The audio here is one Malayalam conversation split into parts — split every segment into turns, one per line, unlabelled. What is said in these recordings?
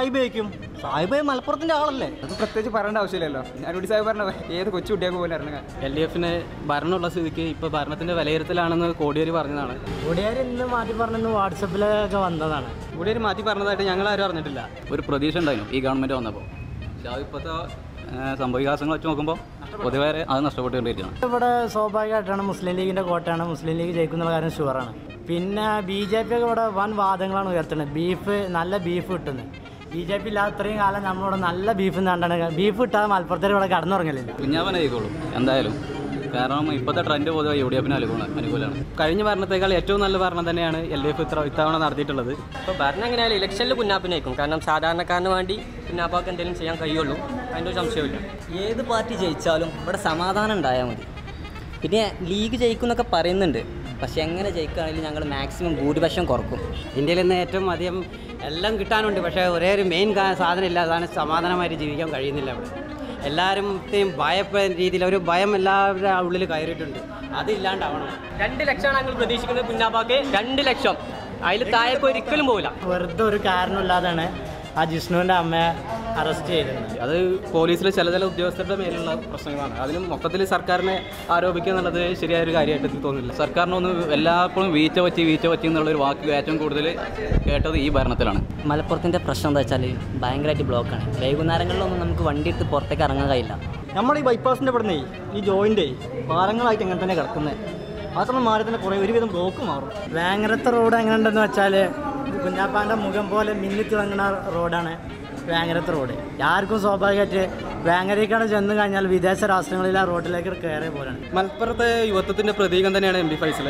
സാഹിബായിരിക്കും. സാഹിബ് മലപ്പുറത്തിന്റെ ആളല്ലേ,
അത് പ്രത്യേകിച്ച് പറയേണ്ട ആവശ്യമില്ലല്ലോ. ഞാനോട് സാഹിബ് പറഞ്ഞ ഏത് കൊച്ചു കുട്ടിയൊക്കെ പോലെ ഇറങ്ങുക.
LDF ഭരണമുള്ള സ്ഥിതിക്ക് ഇപ്പോൾ ഭരണത്തിന്റെ വിലയിരുത്തലാണെന്ന് കോടിയേരി പറഞ്ഞതാണ്.
കോടിയേരി ഇന്ന് മാറ്റി പറഞ്ഞെന്ന് വാട്സപ്പിലൊക്കെ വന്നതാണ്.
കോടിയേരി മാറ്റി പറഞ്ഞതായിട്ട് ഞങ്ങൾ ആരും അറിഞ്ഞിട്ടില്ല. ഒരു പ്രതീക്ഷ ഉണ്ടായിരുന്നു ഈ ഗവൺമെന്റ് വന്നപ്പോൾ. പക്ഷേ ഇപ്പോഴത്തെ സംഭവവികാസങ്ങൾ വെച്ച് നോക്കുമ്പോൾ പൊതുവേ അത് നഷ്ടപ്പെട്ടുകൊണ്ടിരിക്കുകയാണ്.
ഇവിടെ സ്വാഭാവികമായിട്ടാണ് മുസ്ലിം ലീഗിന്റെ കോട്ടയാണ്, മുസ്ലിം ലീഗ് ജയിക്കുന്ന കാര്യം ഷുവറാണ്. പിന്നെ BJP ഒക്കെ ഇവിടെ വൻ വാദങ്ങളാണ് ഉയർത്തുന്നത്. നല്ല ബീഫ് കിട്ടുന്നത്. BJP ഇല്ലാതെ ഇത്രയും കാലം നമ്മളിവിടെ നല്ല ബീഫ് കണ്ടാണ്. ബീഫ് കിട്ടാതെ മലപ്പുറത്തേക്ക് ഇവിടെ കടന്നുറങ്ങലില്ല.
കുഞ്ഞാവനായിക്കോളും എന്തായാലും. കാരണം ഇപ്പോഴത്തെ ട്രെൻഡ് പൊതുവെ UDF അനുകൂലമാണ്. കഴിഞ്ഞ ഭരണത്തേക്കാൾ ഏറ്റവും നല്ല ഭരണം തന്നെയാണ് LDF ഇത്തവണ നടത്തിയിട്ടുള്ളത്.
ഇപ്പോൾ ഭരണം എങ്ങനെയായാലും ഇലക്ഷനിൽ കുഞ്ഞാപ്പിനായിരിക്കും. കാരണം സാധാരണക്കാരന് വേണ്ടി കുഞ്ഞാപ്പാക്ക് എന്തെങ്കിലും ചെയ്യാൻ കഴിയുള്ളൂ, അതിൻ്റെ ഒരു സംശയമില്ല.
ഏത് പാർട്ടി ജയിച്ചാലും ഇവിടെ സമാധാനം ഉണ്ടായാൽ മതി. പിന്നെ ലീഗ് ജയിക്കും എന്നൊക്കെ പറയുന്നുണ്ട്, പക്ഷെ എങ്ങനെ ജയിക്കുകയാണെങ്കിലും ഞങ്ങൾ മാക്സിമം ഭൂരിപക്ഷം കുറക്കും.
ഇന്ത്യയിൽ നിന്ന് ഏറ്റവും അധികം എല്ലാം കിട്ടാനുണ്ട്, പക്ഷേ ഒരേ ഒരു മെയിൻ സാധനം ഇല്ല, അതാണ് സമാധാനമായിട്ട് ജീവിക്കാൻ കഴിയുന്നില്ല. അവിടെ എല്ലാവരും ഭയപ്പെടുന്ന രീതിയിൽ ഒരു ഭയം എല്ലാവരുടെ ഉള്ളിൽ കയറിയിട്ടുണ്ട്, അതില്ലാണ്ടാവണം.
2 ലക്ഷമാണ് ഞങ്ങൾ പ്രതീക്ഷിക്കുന്നത് കുഞ്ഞാപ്പാക്ക്. 2 ലക്ഷം, അതിൽ താഴേക്ക് ഒരിക്കലും പോകില്ല.
വെറുതെ ഒരു കാരണമില്ലാതാണ് ആ ജിഷ്ണുവിൻ്റെ അമ്മയെ അറസ്റ്റ് ചെയ്തത്.
അത് പോലീസിലെ ചില ഉദ്യോഗസ്ഥരുടെ മേലുള്ള പ്രശ്നങ്ങളാണ്. അതിന് മൊത്തത്തിൽ സർക്കാരിനെ ആരോപിക്കുക എന്നുള്ളത് ശരിയായൊരു കാര്യമായിട്ട് തോന്നുന്നില്ല. സർക്കാരിനൊന്ന് എല്ലായ്പ്പോഴും വീഴ്ച വച്ച് എന്നുള്ളൊരു വാക്ക് ഏറ്റവും കൂടുതൽ കേട്ടത് ഈ ഭരണത്തിലാണ്.
മലപ്പുറത്തിൻ്റെ പ്രശ്നം എന്താ വെച്ചാൽ ഭയങ്കരമായിട്ട് ബ്ലോക്കാണ്. വൈകുന്നേരങ്ങളിലൊന്നും നമുക്ക് വണ്ടി എടുത്ത് പുറത്തേക്ക് ഇറങ്ങാൻ കഴിയില്ല.
നമ്മൾ ഈ ബൈപ്പാസിൻ്റെ ഇവിടുന്ന് ഈ ജോയിൻ്റ് പാലങ്ങളായിട്ട് എങ്ങനെ തന്നെ കിടക്കുന്നത്. മാത്രം മാറി തന്നെ കുറേ ഒരുവിധം ബ്ലോക്ക് മാറും. വേങ്ങരത്തെ റോഡ് എങ്ങനെ ഉണ്ടെന്ന് വെച്ചാൽ കുഞ്ഞാപ്പാൻ്റെ മുഖം പോലെ മിന്നിത്തിളങ്ങുന്ന റോഡാണ് വേങ്ങരത്തെ റോഡ്. ആർക്കും സ്വാഭാവികമായിട്ട് വേങ്ങരയ്ക്കാണ് ചെന്ന് കഴിഞ്ഞാൽ വിദേശ രാഷ്ട്രങ്ങളിൽ ആ റോഡിലേക്ക് കയറിയ പോലെയാണ്.
മലപ്പുറത്തെ യുവത്വത്തിൻ്റെ പ്രതീകം തന്നെയാണ് MB ഫൈസൽ.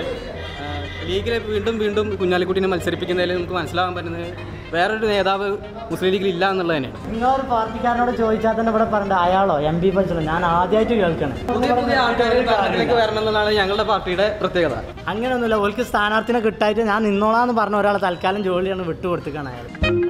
ലീഗിലെ വീണ്ടും കുഞ്ഞാലിക്കുട്ടീനെ മത്സരിപ്പിക്കുന്നതിൽ നമുക്ക് മനസ്സിലാകാൻ പറ്റുന്നത് വേറൊരു നേതാവ് മുസ്ലിം ലീഗിൽ ഇല്ല എന്നുള്ളത് തന്നെയാണ്.
നിങ്ങളൊരു പാർട്ടിക്കാരനോട് ചോദിച്ചാൽ തന്നെ ഇവിടെ പറഞ്ഞത് അയാളോ MB ഫൈസലോ ഞാൻ ആദ്യമായിട്ട് കേൾക്കണം.
പുതിയ ആൾക്കാർ ഭരണത്തിലേക്ക് വരണം എന്നുള്ളതാണ് ഞങ്ങളുടെ പാർട്ടിയുടെ പ്രത്യേകത.
അങ്ങനെയൊന്നുമില്ല, ഓൾക്ക് സ്ഥാനാർത്ഥിനെ കിട്ടായിട്ട് ഞാൻ നിന്നോളാന്ന് പറഞ്ഞ ഒരാളെ തൽക്കാലം ജോലിയാണ് വിട്ടുകൊടുത്തിക്കാണ് അയാൾ.